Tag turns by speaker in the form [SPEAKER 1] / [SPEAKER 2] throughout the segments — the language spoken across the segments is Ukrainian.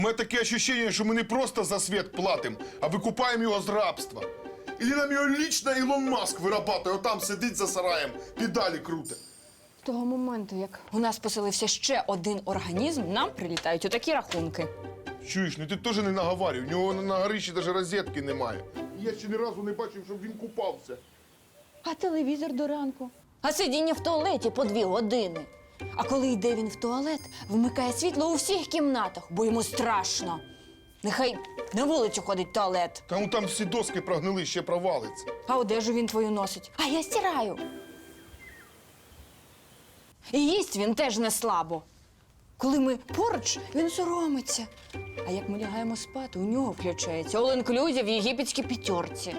[SPEAKER 1] У мене таке відчуття, що ми не просто за світ платимо, а викупаємо його з рабства. Ілі нам його лічно Ілон Маск вирабатує, отам сидить за сараєм, педалі круте.
[SPEAKER 2] З того моменту, як у нас поселився ще один організм, нам прилітають отакі рахунки.
[SPEAKER 1] Чуєш, ну ти теж не наговарюй, у нього на горищі навіть розетки немає. Я ще ні разу не бачив, щоб він купався.
[SPEAKER 2] А телевізор до ранку? А сидіння в туалеті по 2 години. А коли йде він в туалет, вмикає світло у всіх кімнатах, бо йому страшно. Нехай на вулицю ходить в туалет.
[SPEAKER 1] Там всі доски прогнили, ще провалиться.
[SPEAKER 2] А одежу він твою носить. А я стираю. І їсть він теж не слабо. Коли ми поруч, він соромиться. А як ми лягаємо спати, у нього включається all-inclusive в єгипетській п'ятерці.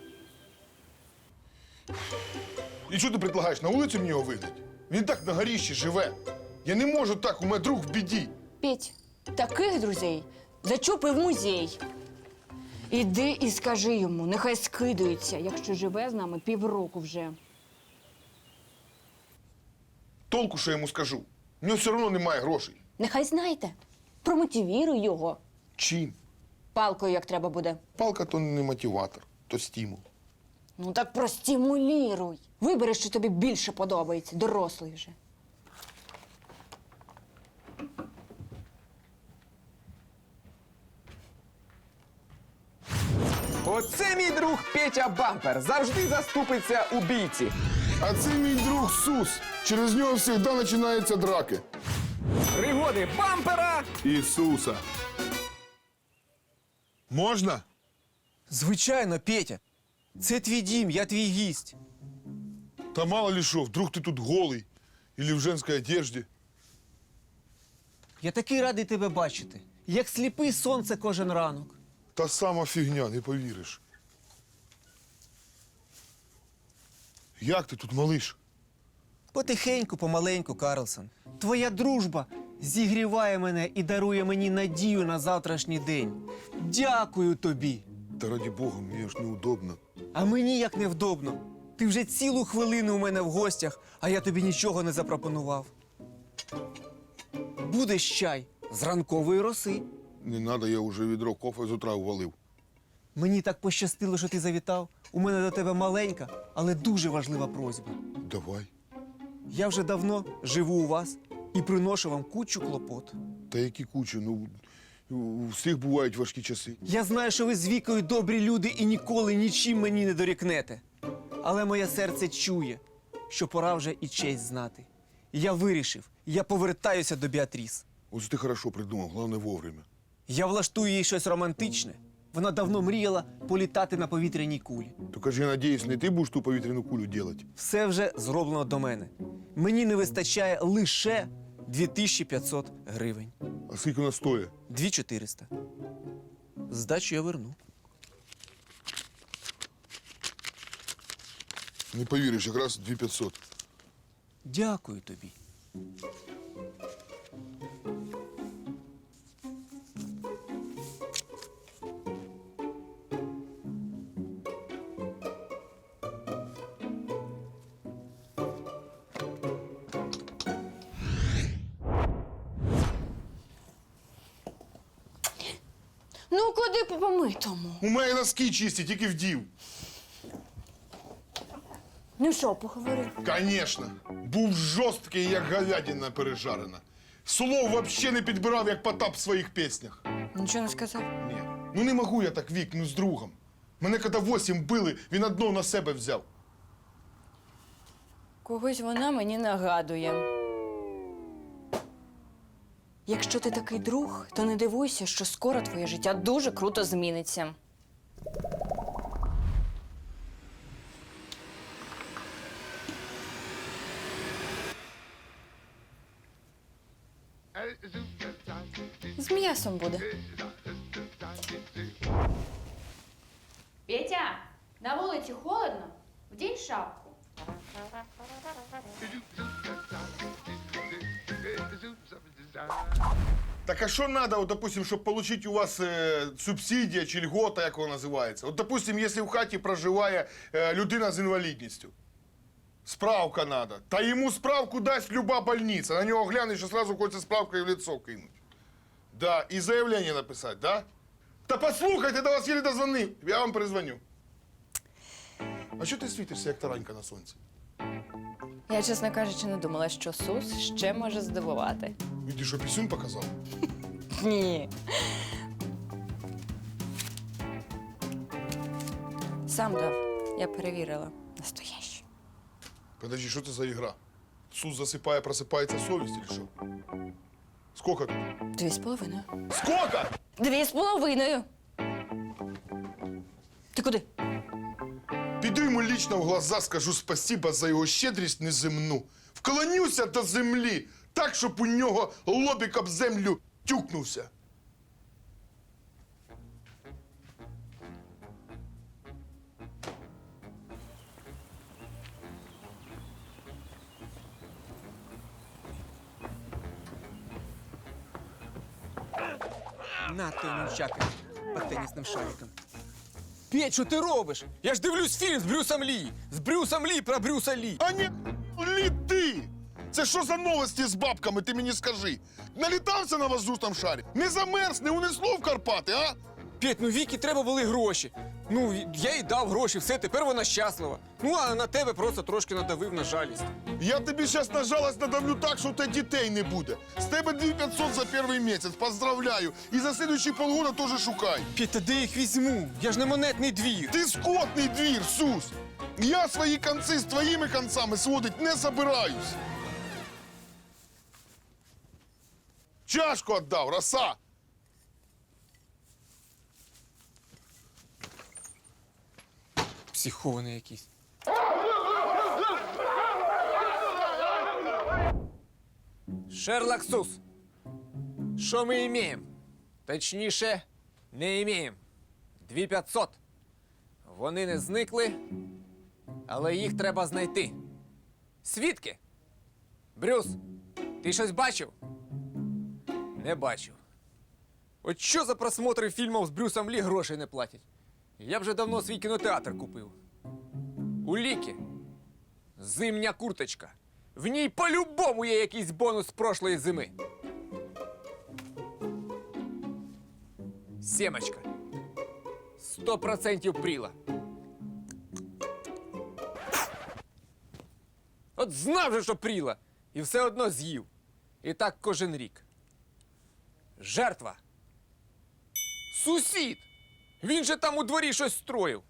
[SPEAKER 1] І що ти предлагаєш, на вулицю мені його вигнати? Він так на горищі живе. Я не можу так, у мене друг в біді.
[SPEAKER 2] Петь, таких друзей зачупи в музей. Іди і скажи йому, нехай скидується, якщо живе з нами півроку вже.
[SPEAKER 1] Толку, що я йому скажу? У нього все одно немає грошей.
[SPEAKER 2] Нехай знайте. Промотивіруй його.
[SPEAKER 1] Чим?
[SPEAKER 2] Палкою, як треба буде.
[SPEAKER 1] Палка то не мотиватор, то стимул.
[SPEAKER 2] Ну так простимуліруй. Вибери, що тобі більше подобається, дорослий вже.
[SPEAKER 3] Оце мій друг Петя Бампер. Завжди заступиться у бійці.
[SPEAKER 1] А це мій друг Сус. Через нього завжди починаються драки.
[SPEAKER 3] Пригоди бампера.
[SPEAKER 1] Ісуса. Можна?
[SPEAKER 4] Звичайно, Петя. Це твій дім, я твій гість.
[SPEAKER 1] Та мало ли що, вдруг ти тут голий. Или в женській одежді.
[SPEAKER 4] Я такий радий тебе бачити. Як сліпий сонце кожен ранок.
[SPEAKER 1] Та сама фігня, не повіриш. Як ти тут, малиш?
[SPEAKER 4] Потихеньку, помаленьку, Карлсон. Твоя дружба зігріває мене і дарує мені надію на завтрашній день. Дякую тобі.
[SPEAKER 1] Та раді Бога, мені ж неудобно.
[SPEAKER 4] А мені як невдобно. Ти вже цілу хвилину у мене в гостях, а я тобі нічого не запропонував. Будеш чай з ранкової роси.
[SPEAKER 1] Не треба, я вже відро кофе з утра ввалив.
[SPEAKER 4] Мені так пощастило, що ти завітав. У мене до тебе маленька, але дуже важлива просьба.
[SPEAKER 1] Давай.
[SPEAKER 4] Я вже давно живу у вас і приношу вам кучу клопот.
[SPEAKER 1] Та які кучі, ну, у всіх бувають важкі часи.
[SPEAKER 4] Я знаю, що ви з Вікою добрі люди і ніколи нічим мені не дорікнете. Але моє серце чує, що пора вже і честь знати. І я вирішив, я повертаюся до Біатріс.
[SPEAKER 1] Ось ти хорошо придумав, головне вовремя.
[SPEAKER 4] Я влаштую їй щось романтичне. Вона давно мріяла політати на повітряній кулі.
[SPEAKER 1] Тільки ж я надіюсь, не ти будеш ту повітряну кулю робити.
[SPEAKER 4] Все вже зроблено до мене. Мені не вистачає лише 2500 гривень.
[SPEAKER 1] А скільки вона стоїть?
[SPEAKER 4] 2400. Здачу я верну.
[SPEAKER 1] Не повіриш, якраз 2500.
[SPEAKER 4] Дякую тобі.
[SPEAKER 2] Ну, куди по помитому?
[SPEAKER 1] У мене носки чисті, тільки вдів.
[SPEAKER 2] Ну що, поговори?
[SPEAKER 1] Конечно. Був жорсткий, як говядина пережарена. Слов вообще не підбирав, як Потап в своїх піснях.
[SPEAKER 2] Нічого не сказав?
[SPEAKER 1] Ні. Ну не можу я так, Вік, ну з другом. Мене коли 8 били, він одно на себе взяв.
[SPEAKER 2] Когось вона мені нагадує. Якщо ти такий друг, то не дивуйся, що скоро твоє життя дуже круто зміниться. З м'ясом буде. Петя, на вулиці холодно? Вдінь шапку.
[SPEAKER 1] Так а що треба, от, допустим, щоб отримати у вас субсидія чи льгота, як вона називається? От, допустим, якщо в хаті проживає людина з інвалідністю. Справка треба. Та йому справку дасть люба больниця. На нього глянеш, що одразу хочеться справкою в лицо кинуть. Да, і заявлення написати, да? Та послухайте, до вас єлі дозвонив. Я вам перезвоню. А що ти світишся, як таранька на сонці?
[SPEAKER 2] Я, чесно кажучи, не думала, що Сус ще може здивувати.
[SPEAKER 1] І ти що, пісюн показав?
[SPEAKER 2] Ні. Сам дав. Я перевірила. Настоящий.
[SPEAKER 1] Подожди, що це за ігра? Сус засипає, просипається совість чи що? Сколько тут?
[SPEAKER 2] 2,5.
[SPEAKER 1] Сколько?
[SPEAKER 2] 2,5. Ти куди?
[SPEAKER 1] Піду йому лично в глаза, скажу спасіба за його щедрість неземну. Вклонюся до землі, так, щоб у нього лобік об землю тюкнувся.
[SPEAKER 4] На той нунчаки по тенісним шарикам. Петь, що ти робиш? Я ж дивлюсь фільм з Брюсом Лі. З Брюсом Лі про Брюса Лі.
[SPEAKER 1] А не літи! Це що за новості з бабками, ти мені скажи? Налітався на воздушному шарі? Не замерз, не унесло в Карпати, а?
[SPEAKER 4] Петь, ну Вікі треба були гроші. Ну, я їй дав гроші, все, тепер вона щаслива. Ну, а на тебе просто трошки надавив на жалість.
[SPEAKER 1] Я тобі зараз на жалость надавлю так, що у тебе дітей не буде. З тебе 2500 за перший місяць, поздравляю. І за слідуючі полгода теж шукай.
[SPEAKER 4] Петь, та де їх візьму? Я ж не монетний двір.
[SPEAKER 1] Ти скотний двір, Сус! Я свої конці з твоїми концами сводить не собираюсь. Чашку віддав, роса!
[SPEAKER 4] Психований якийсь. Шерлок Сус. Що ми імеємо? Точніше, не імеємо. 2500. Вони не зникли, але їх треба знайти. Свідки? Брюс, ти щось бачив? Не бачив. От що за просмотри фільмів з Брюсом Лі грошей не платять? Я б вже давно свій кінотеатр купив. У Ліки. Зимня курточка. В ній по-любому є якийсь бонус з прошлої зими. Сімочка. 100% пріла. От знав же, що пріла. І все одно з'їв. І так кожен рік. Жертва. Сусід. Він же там у дворі щось строїв.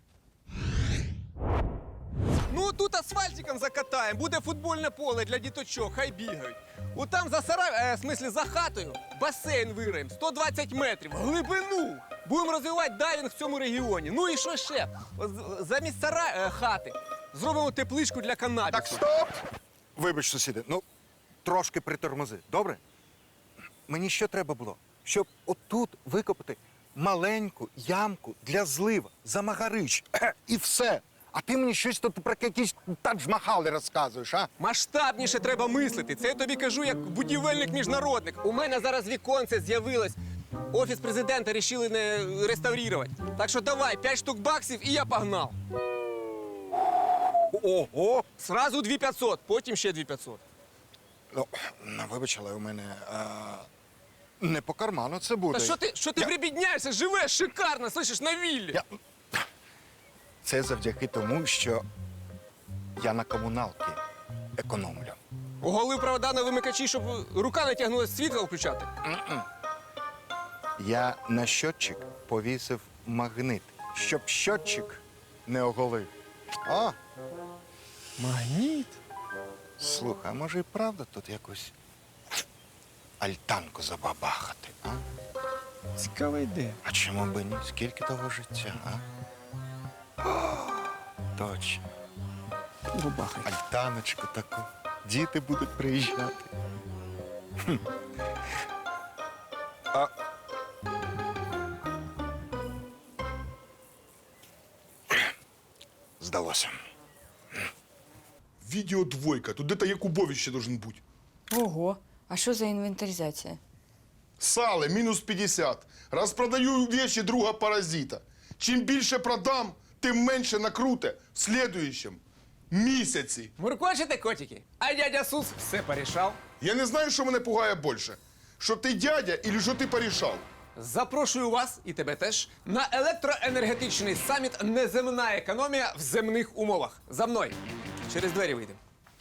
[SPEAKER 4] Ну, тут асфальтиком закатаємо, буде футбольне поле для діточок, хай бігають. От там за сарай, в смислі за хатою, басейн вириємо, 120 метрів, глибину. Будемо розвивати дайвінг в цьому регіоні. Ну і що ще? Замість хати зробимо тепличку для канабісу.
[SPEAKER 5] Так, стоп! Вибач, сусіди, ну, трошки притормози, добре? Мені що треба було? Щоб отут викопати маленьку ямку для злива, замагарич, і все. А ти мені щось тут про якісь Тадж-Махали розказуєш, а?
[SPEAKER 4] Масштабніше треба мислити. Це я тобі кажу як будівельник-міжнародник. У мене зараз віконце з'явилось. Офіс президента рішили не реставрувати. Так що давай, 5 штук баксів і я погнав.
[SPEAKER 5] Ого!
[SPEAKER 4] Сразу 2500, потім ще 2500.
[SPEAKER 5] Ну, вибач, але у мене не по карману це буде.
[SPEAKER 4] Та що ти прибідняєшся? Живеш шикарно, слышиш, на віллі.
[SPEAKER 5] Це завдяки тому, що я на комуналки економлю.
[SPEAKER 4] Оголив провода на вимикачі, щоб рука не тягнулася світло включати.
[SPEAKER 5] Я на щотчик повісив магнит, щоб щотчик не оголив. А,
[SPEAKER 4] Магніт?
[SPEAKER 5] слухай, а може і правда тут якусь альтанку забабахати, а?
[SPEAKER 4] Цікава ідея.
[SPEAKER 5] А чому б і ні? Скільки того життя, а? О, точно.
[SPEAKER 4] Бабахай.
[SPEAKER 5] Альтаночку таку. Діти будуть приїжджати. Хм. А... Здалося.
[SPEAKER 1] Відео двойка, тут де-то Якубович должен бути.
[SPEAKER 2] Ого, а що за інвентаризація?
[SPEAKER 1] Сали, мінус 50. Розпродаю вещи друга паразита. Чим більше продам, тим менше накруте в слідуючому місяці.
[SPEAKER 4] Муркочете, котики? А дядя Сус все порішав.
[SPEAKER 1] Я не знаю, що мене пугає більше. що ти дядя или що ти порішав?
[SPEAKER 3] Запрошую вас і тебе теж на електроенергетичний саміт «Неземна економія в земних умовах». За мною. Через двері вийдемо.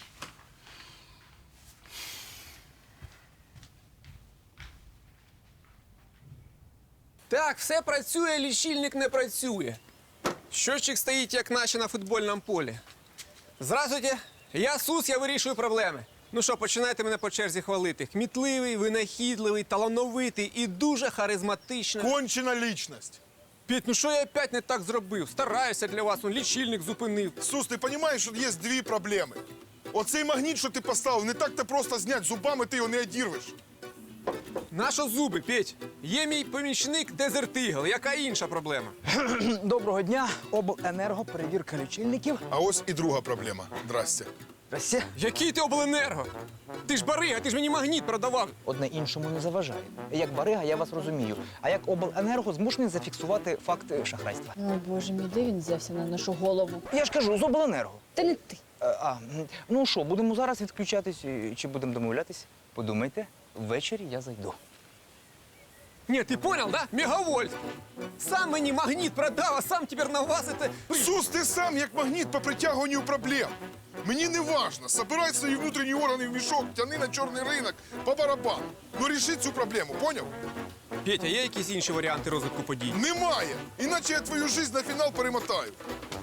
[SPEAKER 3] Так, все працює, лічильник не працює. Щотчик стоїть, як наче на футбольному полі. Здравствуйте, я Сус, я вирішую проблеми. Ну що, починайте мене по черзі хвалити. Кмітливий, винахідливий, талановитий і дуже харизматичний.
[SPEAKER 1] Кончена лічність.
[SPEAKER 3] Петь, ну що я опять не так зробив? Стараюся для вас, ну лічильник зупинив.
[SPEAKER 1] Сус, ти розумієш, що є дві проблеми. Оцей магніт, що ти поставив, не так-то просто зняти, зубами ти його не одірвеш.
[SPEAKER 3] Нащо зуби, Петь? Є мій помічник Дезертигл. Яка інша проблема?
[SPEAKER 6] Доброго дня, обленерго, перевірка лічильників.
[SPEAKER 1] А ось і друга проблема. Здрасте.
[SPEAKER 6] Здрасте.
[SPEAKER 3] Який ти обленерго? Ти ж барига, ти ж мені магніт продавав.
[SPEAKER 6] Одне іншому не заважає. Як барига, я вас розумію. А як обленерго змушений зафіксувати факт шахрайства.
[SPEAKER 2] О, Боже мій, де він взявся на нашу голову?
[SPEAKER 6] Я ж кажу, з обленерго.
[SPEAKER 2] Та не ти.
[SPEAKER 6] Ну що, будемо зараз відключатись чи будемо домовлятись? Подумайте, ввечері я зайду.
[SPEAKER 3] Ні, ти понял, да? Мегавольт. Сам мені магніт продав, а сам тепер на вас це...
[SPEAKER 1] Сус, ти сам як магніт по притягуванню проблем. Мені не важно, собирай свої внутрішні органи в мішок, тяни на чорний ринок, по барабану. Ну ріши цю проблему, поняв?
[SPEAKER 3] Петя, є якісь інші варіанти розвитку подій?
[SPEAKER 1] Немає. Іначе я твою жизнь на фінал перемотаю.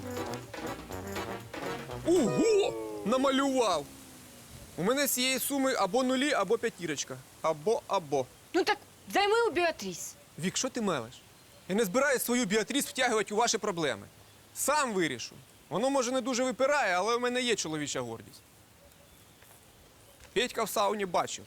[SPEAKER 3] Ого! Намалював! У мене з цієї суми або нулі, або п'ятірочка. Або.
[SPEAKER 2] Ну так займи у Біатріс.
[SPEAKER 3] Вік, що ти мелеш? Я не збираюсь свою Біатріс втягувати у ваші проблеми. Сам вирішу. Воно, може, не дуже випирає, але у мене є чоловіча гордість. Петька в сауні бачив.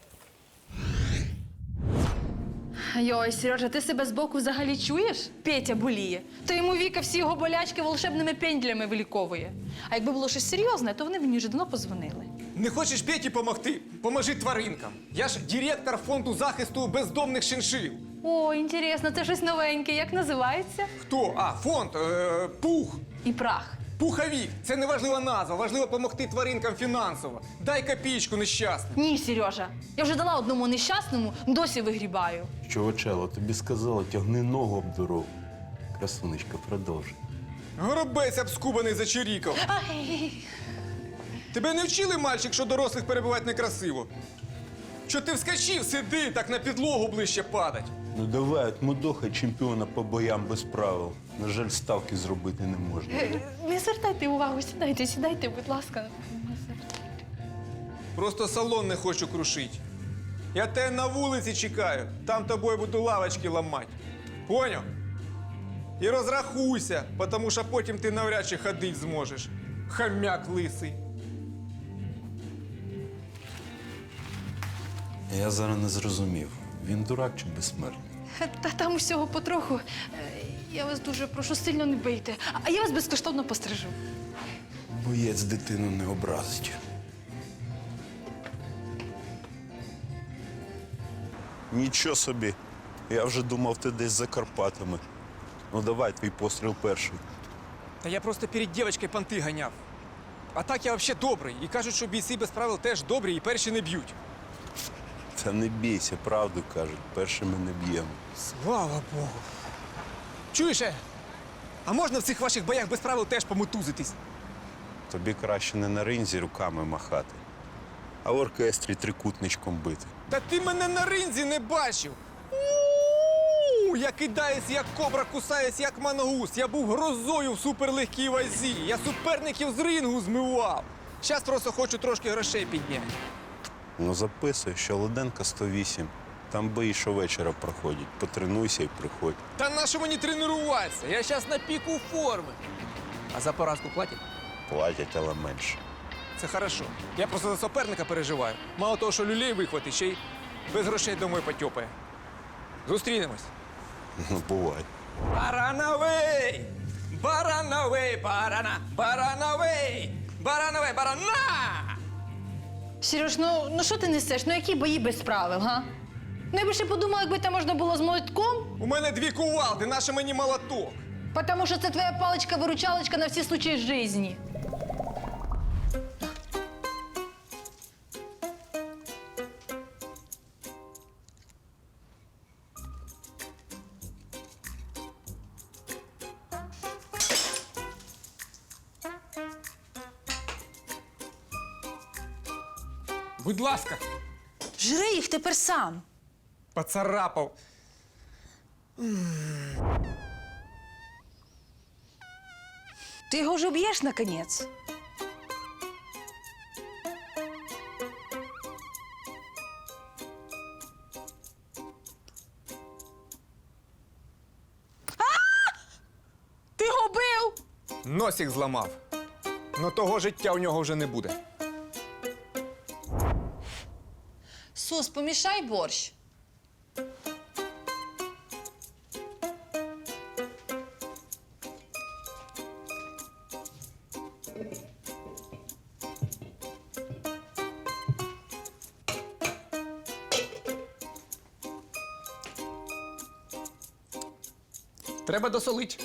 [SPEAKER 7] Йой, Сережа, ти себе збоку взагалі чуєш? Петя боліє. То йому Віка всі його болячки волшебними пендлями виліковує. А якби було щось серйозне, то вони б мені вже давно позвонили.
[SPEAKER 3] Не хочеш Петі помогти? Поможи тваринкам. Я ж директор фонду захисту бездомних шиншил.
[SPEAKER 7] О, інтересно, це щось новеньке. Як називається?
[SPEAKER 3] Хто? А, фонд. Пух.
[SPEAKER 7] І прах.
[SPEAKER 3] Пуховік. Це не важлива назва. Важливо допомогти тваринкам фінансово. Дай копійку нещасним.
[SPEAKER 7] Ні, Сережа. Я вже дала одному нещасному, досі вигрібаю.
[SPEAKER 8] Чувачело, тобі сказала, тягни ногу об дорогу. Красунечка, продовжуй.
[SPEAKER 3] Горобець обскубаний зачирікав.
[SPEAKER 7] Ай.
[SPEAKER 3] Тебе не вчили, мальчик, що дорослих перебувати некрасиво? Що ти вскочив, сиди, так на підлогу ближче падать.
[SPEAKER 8] Ну давай, от мудоха чемпіона по боям без правил. На жаль, ставки зробити не можна.
[SPEAKER 7] Не звертайте увагу, сідайте, будь ласка. Не звертайте.
[SPEAKER 3] Просто салон не хочу крушити. Я тебе на вулиці чекаю, там тобою буду лавочки ламати. Поняв? І розрахуйся, тому що потім ти навряд чи ходити зможеш. Хам'як лисий.
[SPEAKER 8] Я зараз не зрозумів, він дурак чи безсмертний?
[SPEAKER 7] Та там усього потроху. Я вас дуже прошу, сильно не бийте. А я вас безкоштовно пострижу.
[SPEAKER 8] Боєць дитину не образить. Нічого собі. Я вже думав, ти десь за Карпатами. Ну давай, твій постріл перший.
[SPEAKER 3] Та я просто перед дівчинкою понти ганяв. А так я взагалі добрий. І кажуть, що бійці без правил теж добрі і перші не б'ють.
[SPEAKER 8] Та не бійся, правду кажуть, першими не б'ємо.
[SPEAKER 3] Слава Богу. Чуєш, а можна в цих ваших боях без правил теж помотузитись?
[SPEAKER 8] Тобі краще не на ринзі руками махати, а в оркестрі трикутничком бити.
[SPEAKER 3] Та ти мене на ринзі не бачив. Я кидаюсь, як кобра, кусаюсь, як мангуст. Я був грозою в суперлегкій вазі. Я суперників з рингу змивав. Зараз просто хочу трошки грошей підняти.
[SPEAKER 8] Ну записуй, що Лоденка 108. Там бої щовечора проходять. Потренуйся і приходь.
[SPEAKER 3] Та нащо мені тренуватися? Я зараз на піку форми. А за поразку платять?
[SPEAKER 8] Платять, але менше.
[SPEAKER 3] Це хорошо. Я просто за суперника переживаю. Мало того, що люлей вихватить, ще й без грошей домой потьопає. Зустрінемось.
[SPEAKER 8] Ну, бувай.
[SPEAKER 3] Барановий! Барановий, барана! Барановий! Барановий, барана!
[SPEAKER 7] Сереж, ну що ти несеш? Ну які бої без правил, га? Ну я би ще подумала, якби там можна було з молотком,
[SPEAKER 3] У мене 2 кувалди, наше мені молоток.
[SPEAKER 7] тому що це твоя паличка-виручалочка на всі случаї житті.
[SPEAKER 3] Будь ласка.
[SPEAKER 7] Жри їх тепер сам.
[SPEAKER 3] Поцарапав.
[SPEAKER 7] Ти його вже б'єш, наконець? Ти його бив!
[SPEAKER 3] Носик зламав. Но того життя у нього вже не буде.
[SPEAKER 7] Сус, помішай борщ.
[SPEAKER 3] Треба досолить.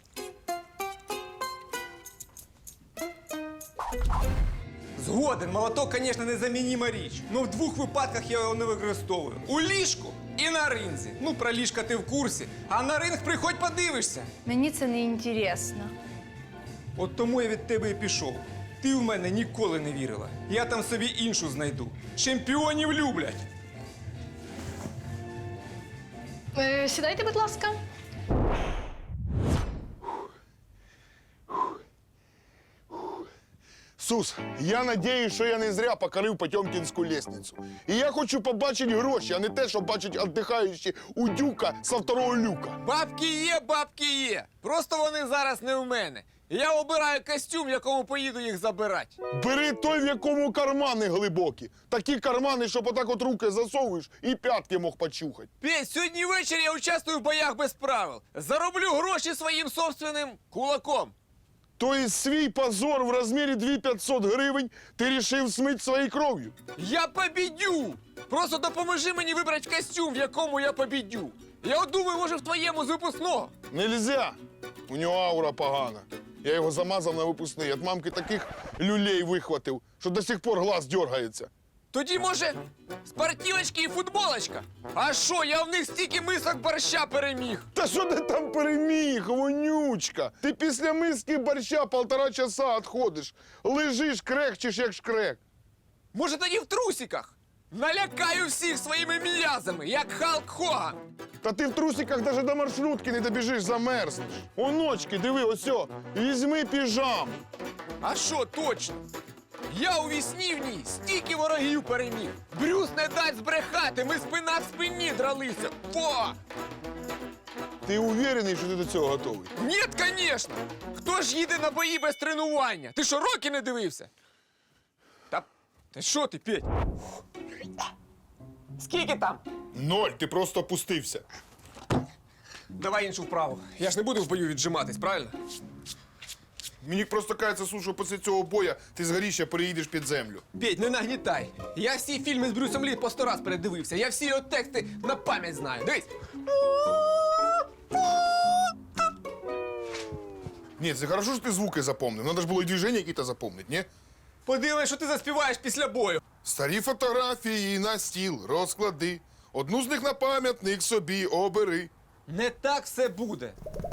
[SPEAKER 3] Згоден, молоток, звісно, незамініма річ. Ну, в двох випадках я його не використовую. У ліжку і на ринзі. Ну, про ліжка ти в курсі. А на ринг приходь подивишся.
[SPEAKER 7] Мені це не інтересно.
[SPEAKER 3] От тому я від тебе і пішов. Ти в мене ніколи не вірила. Я там собі іншу знайду. Чемпіонів люблять.
[SPEAKER 7] Сідайте, будь ласка.
[SPEAKER 1] Сус, я надіюсь, що я не зря покорив Потьомкінську лестницю. І я хочу побачити гроші, а не те, що бачить віддихаючі у дюка со второго люка.
[SPEAKER 3] Бабки є. Просто вони зараз не в мене. Я обираю костюм, в якому поїду їх забирати.
[SPEAKER 1] Бери той, в якому кармани глибокі. Такі кармани, щоб отак от руки засовуєш і п'ятки мог почухати.
[SPEAKER 3] Петь, сьогодні ввечері я участвую в боях без правил. Зароблю гроші своїм собственним кулаком.
[SPEAKER 1] Тобто свій позор в розмірі 2500 гривень ти рішив смити своєю кров'ю.
[SPEAKER 3] Я побідю! Просто допоможи мені вибрати костюм, в якому я побідю. Я от думаю, може, в твоєму з випускного.
[SPEAKER 1] Нельзя. У нього аура погана. Я його замазав на випускний. От мамки таких люлей вихватив, що до сих пор глаз дергається.
[SPEAKER 3] Тоді, може, спортивочки і футболочка? А що, я в них стільки мисок борща переміг.
[SPEAKER 1] Та що ти там переміг, вонючка? Ти після миски борща 1,5 часа відходиш. Лежиш, крехчеш, як шкрек.
[SPEAKER 3] Може, тоді в трусиках? Налякаю всіх своїми м'язами, як Халк Хоган.
[SPEAKER 1] Та ти в трусиках навіть до маршрутки не добіжиш, замерзнеш. Оночки, диви, осьо, візьми піжаму.
[SPEAKER 3] А що, точно? Я у вісні в ній стільки ворогів переміг. Брюс не дасть збрехати, ми спина в спині дралися. Фо!
[SPEAKER 1] Ти уверений, що ти до цього готовий?
[SPEAKER 3] Ні, звісно! Хто ж їде на бої без тренування? Ти що, роки не дивився? Та що ти, Петь? Скільки там?
[SPEAKER 1] 0, ти просто опустився.
[SPEAKER 3] Давай іншу вправу. Я ж не буду в бою віджиматись, правильно?
[SPEAKER 1] Мені просто кажеться, Сус, що після цього боя ти з горіща переїдеш під землю.
[SPEAKER 3] Петь, не нагнітай. Я всі фільми з Брюсом Лі по 100 раз передивився. Я всі його тексти на пам'ять знаю. Дивись.
[SPEAKER 1] Ні, це хорошо, що ти звуки запомнив. Надо ж було і движення якісь запомнити, ні?
[SPEAKER 3] Подивись, що ти заспіваєш після бою.
[SPEAKER 1] Старі фотографії на стіл розклади. Одну з них на пам'ятник собі обери.
[SPEAKER 3] Не так все буде.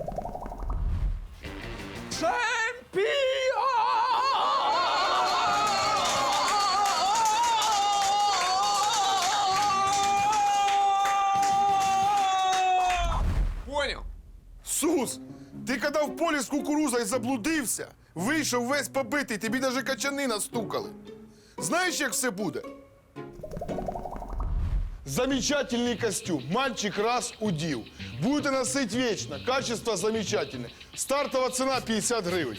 [SPEAKER 3] Понял?
[SPEAKER 1] Сус, ти коли в полі з кукурузою заблудився, вийшов весь побитий, тобі навіть качани настукали. Знаєш, як все буде? Замечательный костюм. Мальчик раз удил. Будете носить вечно. Качество замечательное. Стартова цена 50 гривень.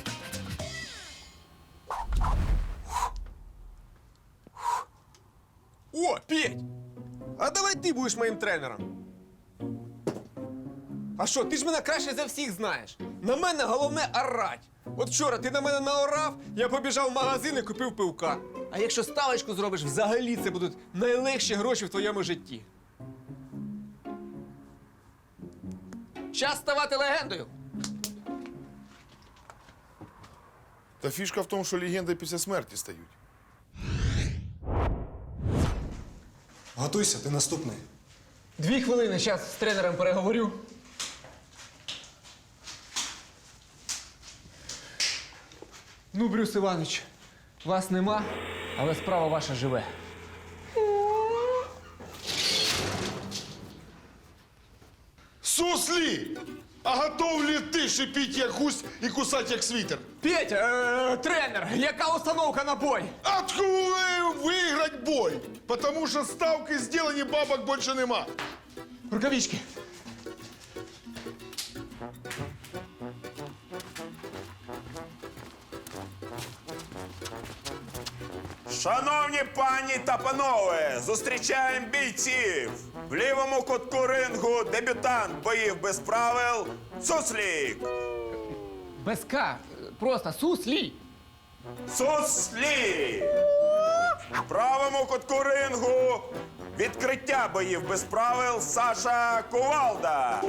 [SPEAKER 3] О, Петь! А давай ти будеш моїм тренером. А що, ти ж мене краще за всіх знаєш. На мене головне орать. От вчора ти на мене наорав, я побіжав в магазин і купив пивка. А якщо ставочку зробиш, взагалі це будуть найлегші гроші в твоєму житті. Час ставати легендою.
[SPEAKER 1] Та фішка в тому, що легенди після смерті стають.
[SPEAKER 9] Готуйся, ти наступний.
[SPEAKER 3] 2 хвилини, зараз з тренером переговорю. Ну, Брюс Іванович, вас нема? Але справа ваша живе.
[SPEAKER 1] Суслі! А готов ли ти шипіть як гусь і кусати як світер?
[SPEAKER 3] Петя, тренер, яка установка на бой?
[SPEAKER 1] Откуда виграть бой? Потому що ставки зроблені, бабок більше нема.
[SPEAKER 3] Рукавички.
[SPEAKER 8] Шановні пані та панове, зустрічаємо бійців. В лівому кутку рингу дебютант боїв без правил Суслік.
[SPEAKER 3] Без К. Просто Суслі.
[SPEAKER 8] Суслі. В правому кутку рингу відкриття боїв без правил Саша Кувалда.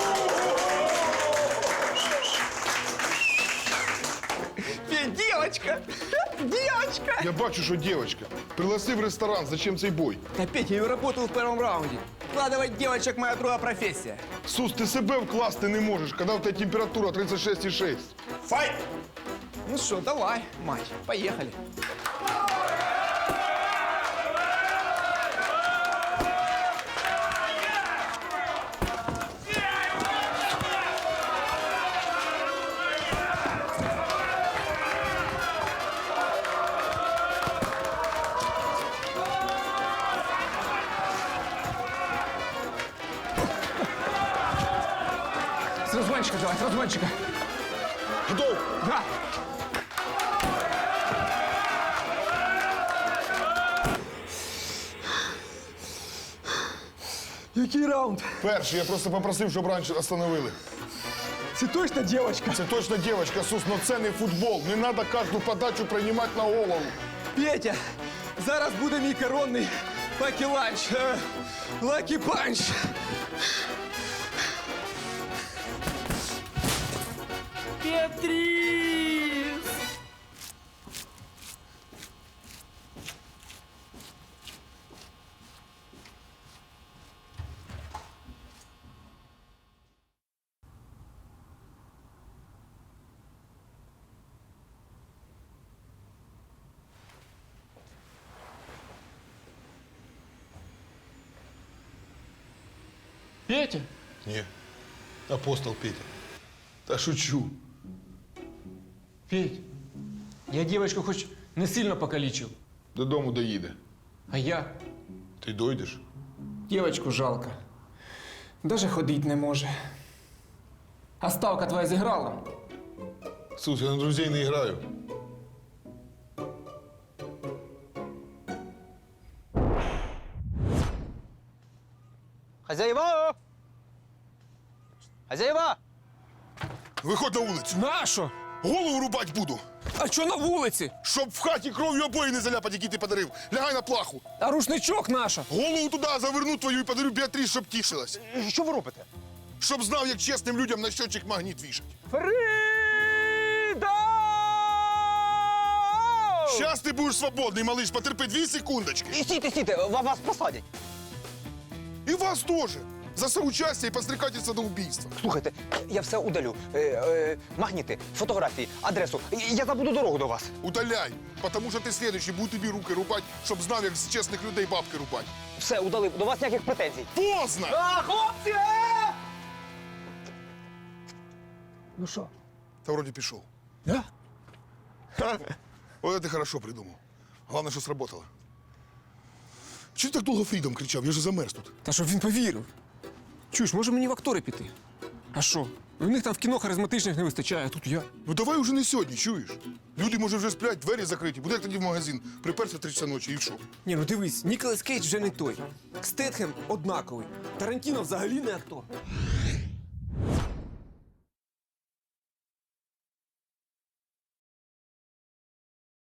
[SPEAKER 3] Девочка! Девочка!
[SPEAKER 1] Я бачу, що дівчинка. Пригласи в ресторан, зачем цей бой?
[SPEAKER 3] Да, Петя, я работал в первом раунде. Вкладывать девочек – моя другая профессия.
[SPEAKER 1] Сус, ти себе вкласти не можеш, коли в тебе температура 36,6.
[SPEAKER 8] Файт!
[SPEAKER 3] Ну что, давай, мать, поехали. С разгончика давай, с разгончика.
[SPEAKER 1] Готов?
[SPEAKER 3] Да. Який раунд?
[SPEAKER 1] Перший, я просто попросив, щоб раніше остановили.
[SPEAKER 3] Це точно девочка?
[SPEAKER 1] Це точно дівчинка, Сус, но це не футбол. Не треба кожну подачу приймати на голову.
[SPEAKER 3] Петя, зараз буде мій коронний лакі-ланч. Лакі-панч. Петрис! Петя?
[SPEAKER 1] Ні. Апостол Петя. Та шучу.
[SPEAKER 3] Петь, я девочку хоч не сильно покалічив,
[SPEAKER 1] Додому доїде.
[SPEAKER 3] а я
[SPEAKER 1] Ти дойдеш?
[SPEAKER 3] девочку жалко. Даже ходить не може. А ставка твоя зіграла?
[SPEAKER 1] Сус, я на друзей не граю.
[SPEAKER 6] Хазяєва! Хазяєва!
[SPEAKER 1] Виходь на вулицю.
[SPEAKER 3] Нащо?
[SPEAKER 1] Голову рубать буду.
[SPEAKER 3] А що на вулиці?
[SPEAKER 1] Щоб в хаті кров'ю обої не заляпати, які ти подарив. Лягай на плаху.
[SPEAKER 3] А рушничок наша?
[SPEAKER 1] Голову туди заверну твою і подарю Біатріс, щоб тішилась.
[SPEAKER 6] Що ви робите?
[SPEAKER 1] Щоб знав, як чесним людям на щочик магніт вішать.
[SPEAKER 6] Фріда!
[SPEAKER 1] Щас ти будеш свободний, малиш, потерпи 2 секундочки.
[SPEAKER 6] Стійте, вас посадять.
[SPEAKER 1] І вас теж. За соучастие і подстрекательство до убийства.
[SPEAKER 6] Слухайте, я все удалю. Магніти, фотографії, адресу. Я забуду дорогу до вас.
[SPEAKER 1] Удаляй, потому що ти слідуючий, буду тобі руки рубати, щоб знав, як з чесних людей бабки рубати.
[SPEAKER 6] Все, удалив. До вас ніяких претензій.
[SPEAKER 1] Поздно!
[SPEAKER 6] А, хлопці!
[SPEAKER 3] Ну що?
[SPEAKER 1] Та вроді пішов.
[SPEAKER 3] Да?
[SPEAKER 1] Ой, ти хорошо придумав. Головне, що сработало. Чого ти так довго Фрідом кричав? Я ж замерз тут.
[SPEAKER 3] Та щоб він повірив. Чуєш, може мені в актори піти? А що? У них там в кіно харизматичних не вистачає, а тут я.
[SPEAKER 1] Ну давай уже не сьогодні, чуєш? Люди, може, вже сплять, двері закриті. Буде як тоді в магазин. Приперся в 3 часа ночі і що?
[SPEAKER 3] Ні, ну дивись, Ніколас Кейдж вже не той. Стетхем однаковий. Тарантіно взагалі не актор.